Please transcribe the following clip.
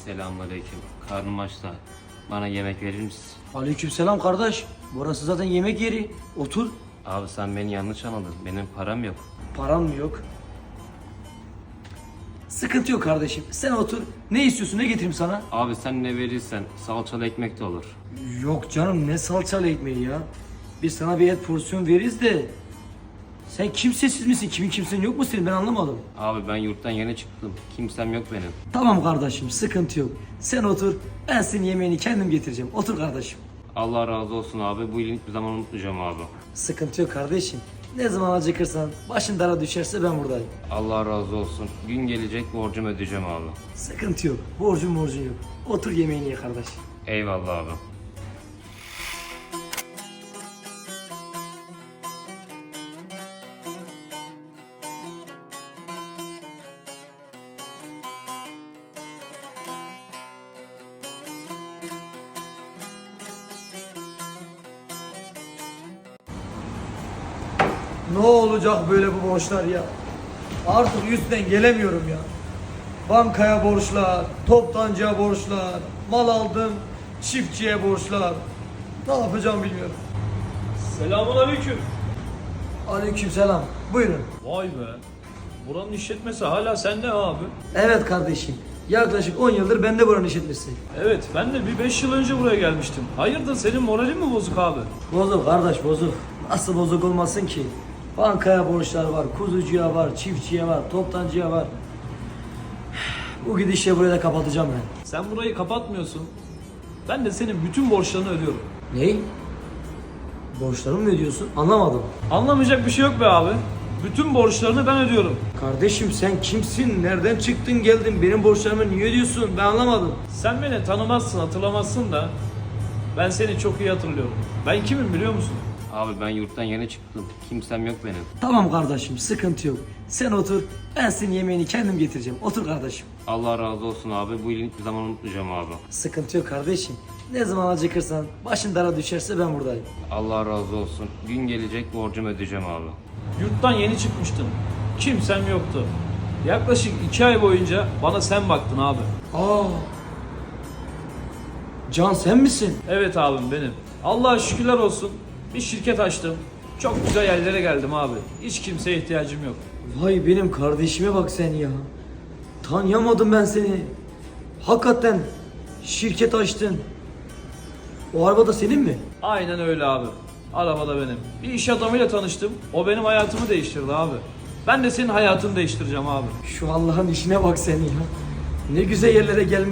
Selamünaleyküm. Karnım aç da bana yemek verir misin? Aleykümselam kardeş. Burası zaten yemek yeri. Otur. Abi sen beni yanlış anladın. Benim param yok. Paran mı yok? Sıkıntı yok kardeşim. Sen otur. Ne istiyorsun? Ne getireyim sana? Abi sen ne verirsen salçalı ekmek de olur. Yok canım, ne salçalı ekmeği ya. Biz sana bir et porsiyon veririz de. Sen kimsesiz misin? Kimin kimsenin yok mu senin? Ben anlamadım. Abi ben yurttan yeni çıktım. Kimsem yok benim. Tamam kardeşim, sıkıntı yok. Sen otur. Ben senin yemeğini kendim getireceğim. Otur kardeşim. Allah razı olsun abi. Bu iyiliğini hiçbir zaman unutmayacağım abi. Sıkıntı yok kardeşim. Ne zaman acıkırsan, başın dara düşerse ben buradayım. Allah razı olsun. Gün gelecek borcumu ödeyeceğim abi. Sıkıntı yok. Borcun yok. Otur yemeğini ye kardeş. Eyvallah abi. Ne olacak böyle bu borçlar ya? Artık üstten gelemiyorum ya. Bankaya borçlar, toptancıya borçlar, mal aldım, çiftçiye borçlar. Ne yapacağım bilmiyorum. Selamünaleyküm. Aleykümselam. Buyurun. Vay be. Buranın işletmesi hala sende abi. Evet kardeşim. Yaklaşık 10 yıldır bende buranın işletmesi. Evet, ben de bir 5 yıl önce buraya gelmiştim. Hayırdır, senin moralin mi bozuk abi? Bozuk kardeş, bozuk. Nasıl bozuk olmasın ki? Bankaya borçlar var, kuzucuya var, çiftçiye var, toptancıya var. Bu gidişle burayı da kapatacağım ben. Sen burayı kapatmıyorsun. Ben de senin bütün borçlarını ödüyorum. Ney? Borçlarımı mı ödüyorsun? Anlamadım. Anlamayacak bir şey yok be abi. Bütün borçlarını ben ödüyorum. Kardeşim sen kimsin? Nereden çıktın geldin? Benim borçlarımı niye ödüyorsun? Ben anlamadım. Sen beni tanımazsın, hatırlamazsın da ben seni çok iyi hatırlıyorum. Ben kimim biliyor musun? Abi ben yurttan yeni çıktım. Kimsem yok benim. Tamam kardeşim, sıkıntı yok. Sen otur. Ben senin yemeğini kendim getireceğim. Otur kardeşim. Allah razı olsun abi. Bu iyiliğini hiçbir zaman unutmayacağım abi. Sıkıntı yok kardeşim. Ne zaman acıkırsan, başın dara düşerse ben buradayım. Allah razı olsun. Gün gelecek borcumu ödeyeceğim abi. Yurttan yeni çıkmıştım. Kimsem yoktu. Yaklaşık 2 ay boyunca bana sen baktın abi. Aa. Can sen misin? Evet abim, benim. Allah'a şükürler olsun. Bir şirket açtım. Çok güzel yerlere geldim abi. Hiç kimseye ihtiyacım yok. Vay benim kardeşime bak sen ya. Tanıyamadım ben seni. Hakikaten şirket açtın. O araba da senin mi? Aynen öyle abi. Arabada benim. Bir iş adamıyla tanıştım. O benim hayatımı değiştirdi abi. Ben de senin hayatını değiştireceğim abi. Şu Allah'ın işine bak sen ya. Ne güzel yerlere gelmiş.